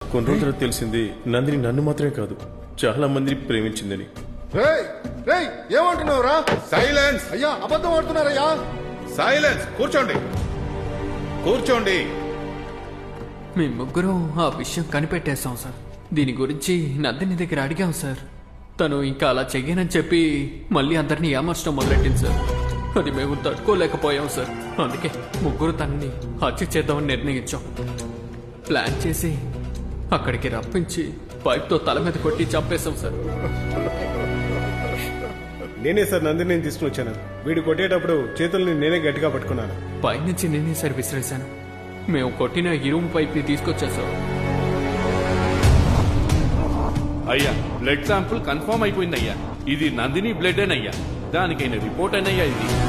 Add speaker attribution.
Speaker 1: కొన్ని రోజులు తెలిసింది నందిని నన్ను మాత్రమే కాదు చాలా మందిని ప్రేమించిందని.
Speaker 2: ఏమంటున్నావురా?
Speaker 3: సైలెన్స్
Speaker 2: అయ్యా అబద్ధం ఆడుతున్నారయ్యా.
Speaker 3: సైలెన్స్. కూర్చోండి కూర్చోండి.
Speaker 4: మేము ముగ్గురం ఆ విషయం కనిపెట్టేశాం సార్. దీని గురించి నందిని దగ్గర అడిగాం సార్. తను ఇంకా అలా చెయ్యనని చెప్పి మళ్ళీ అందరినీ ఏమర్చడం మొదలెట్టింది సార్. అది మేము తట్టుకోలేకపోయాం సార్. అందుకే ముగ్గురు తనని హత్య చేద్దామని నిర్ణయించాం. ప్లాన్ చేసి అక్కడికి రప్పించి పైప్తో తల మీద కొట్టి చంపేశాం సార్.
Speaker 5: నేనే సార్ నందిని తీసుకుని వచ్చాను. వీడు కొట్టేటప్పుడు చేతుల్ని నేనే గట్టిగా పట్టుకున్నాను.
Speaker 4: పైనుంచి నేనే సార్ విసిరేశాను. మేము కొట్టిన ఇరుము పైప్ని తీసుకొచ్చేసాం.
Speaker 6: అయ్యా, బ్లడ్ శాంపుల్ కన్ఫర్మ్ అయిపోయింది అయ్యా. ఇది నందిని బ్లడ్ అయ్యా. దానికైనా రిపోర్ట్ అయినయ్యా ఇది.